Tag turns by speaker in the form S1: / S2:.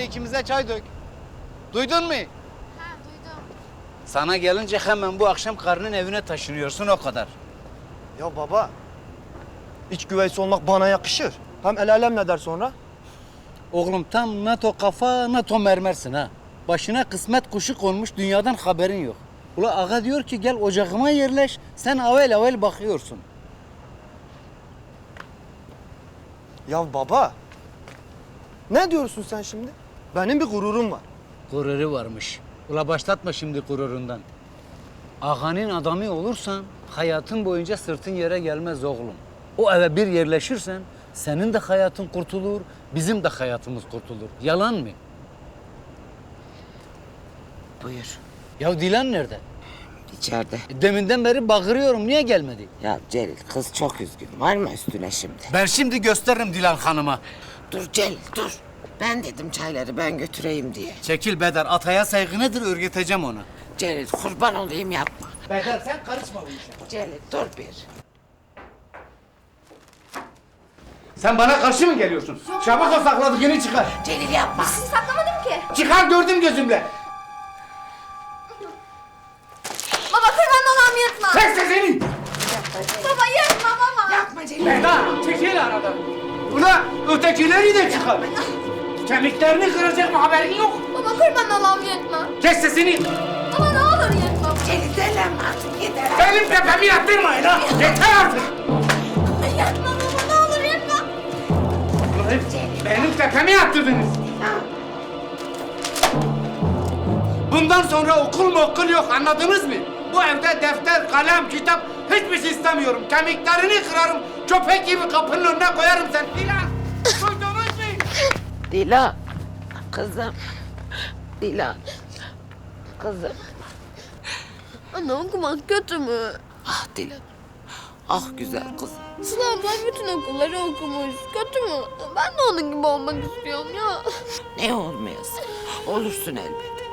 S1: ikimize çay dök. Duydun mu?
S2: Ha duydum.
S1: Sana gelince hemen bu akşam karının evine taşınıyorsun, o kadar.
S3: Ya baba, iç güveysi olmak bana yakışır. Hem el alem ne der sonra?
S1: Oğlum tam NATO kafa, NATO mermersin ha. Başına kısmet kuşu konmuş, dünyadan haberin yok. Ula ağa diyor ki gel ocağıma yerleş, sen avel avel bakıyorsun.
S3: Ya baba, ne diyorsun sen şimdi? Benim bir gururum var.
S1: Gururu varmış. Ula başlatma şimdi gururundan. Ağanın adamı olursan hayatın boyunca sırtın yere gelmez oğlum. O eve bir yerleşirsen senin de hayatın kurtulur, bizim de hayatımız kurtulur. Yalan mı?
S4: Buyur.
S1: Ya Dilan nerede?
S4: İçeride.
S1: Deminden beri bağırıyorum, niye gelmedi?
S4: Ya Celil kız çok üzgün. Var mı üstüne şimdi?
S1: Ben şimdi gösteririm Dilan Hanım'a.
S4: Dur Celil dur. Ben dedim çayları ben götüreyim diye.
S1: Çekil Bedar, ataya saygı nedir öğreteceğim ona.
S4: Celil kurban olayım yapma.
S1: Bedar sen karışma bu işe.
S4: Celil dur bir.
S1: Sen bana karşı mı geliyorsun? Çabuk o sakladığını çıkar.
S4: Celil yapma.
S2: Sizi saklamadım ki.
S1: Çıkar, gördüm gözümle.
S2: Baba kurban olam yırtma.
S1: Çek sesini.
S2: Baba yırtma baba.
S4: Yapma Celil.
S1: Bedar çekil aradan. Ula ötekileri de çıkar. Kemiklerini kıracak mı, haberin yok?
S2: Baba kurban olam yırtma.
S1: Kes sesini.
S2: Baba ne olur yırtma.
S4: Celil delenme artık yeter.
S1: Benim tepemi yattırmayın ha. Yeter artık.
S2: Yırtma baba ne olur yırtma.
S1: Ulan benim tepemi yattırdınız. Bundan sonra okul yok, anladınız mı? Bu evde defter, kalem, kitap hiçbir şey istemiyorum. Kemiklerini kırarım, köpek gibi kapının önüne koyarım sen. Dilan, duydunuz mu?
S4: Dila. Kızım. Dila. Kızım.
S2: Anne okumak kötü mü?
S4: Ah Dila. Ah güzel kızım.
S2: Sıla abla bütün okulları okumuş. Kötü mü? Ben de onun gibi olmak istiyorum ya.
S4: Ne olmayasın? Olursun elbet.